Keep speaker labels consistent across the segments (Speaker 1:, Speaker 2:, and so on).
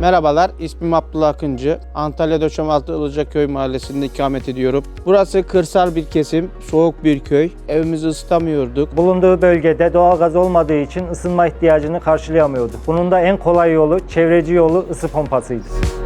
Speaker 1: Merhabalar, ismim Abdullah Akıncı. Antalya Döşemealtı Ilıcaköy mahallesinde ikamet ediyorum. Burası kırsal bir kesim, soğuk bir köy. Evimizi ısıtamıyorduk.
Speaker 2: Bulunduğu bölgede doğalgaz olmadığı için ısınma ihtiyacını karşılayamıyordu. Bunun da en kolay yolu, çevreci yolu ısı pompasıydı.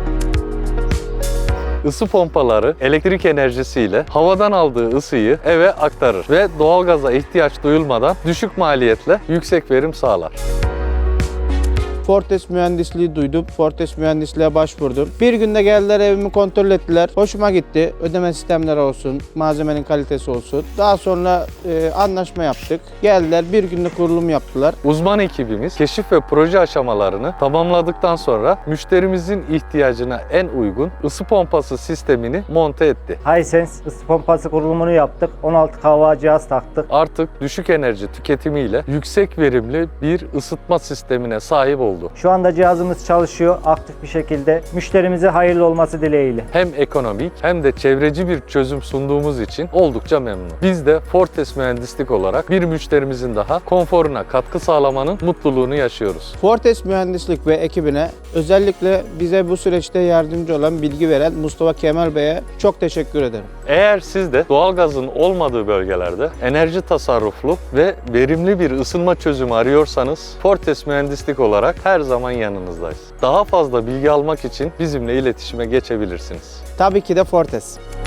Speaker 3: Isı pompaları elektrik enerjisiyle havadan aldığı ısıyı eve aktarır ve doğalgaza ihtiyaç duyulmadan düşük maliyetle yüksek verim sağlar.
Speaker 1: Fortes mühendisliği duydum. Fortes mühendisliğe başvurdum. Bir günde geldiler, evimi kontrol ettiler. Hoşuma gitti. Ödeme sistemleri olsun, malzemenin kalitesi olsun. Daha sonra anlaşma yaptık. Geldiler, bir günde kurulum yaptılar.
Speaker 3: Uzman ekibimiz keşif ve proje aşamalarını tamamladıktan sonra müşterimizin ihtiyacına en uygun ısı pompası sistemini monte etti.
Speaker 2: Hisense ısı pompası kurulumunu yaptık. 16 kW cihaz taktık.
Speaker 3: Artık düşük enerji tüketimiyle yüksek verimli bir ısıtma sistemine sahip oldu.
Speaker 2: Şu anda cihazımız çalışıyor aktif bir şekilde. Müşterimize hayırlı olması dileğiyle.
Speaker 3: Hem ekonomik hem de çevreci bir çözüm sunduğumuz için oldukça memnun. Biz de Fortes Mühendislik olarak bir müşterimizin daha konforuna katkı sağlamanın mutluluğunu yaşıyoruz.
Speaker 1: Fortes mühendislik ve ekibine, özellikle bize bu süreçte yardımcı olan, bilgi veren Mustafa Kemal Bey'e çok teşekkür ederim.
Speaker 3: Eğer siz de doğalgazın olmadığı bölgelerde enerji tasarruflu ve verimli bir ısınma çözümü arıyorsanız Fortes Mühendislik olarak her zaman yanınızdayız. Daha fazla bilgi almak için bizimle iletişime geçebilirsiniz.
Speaker 1: Tabii ki de Fortes.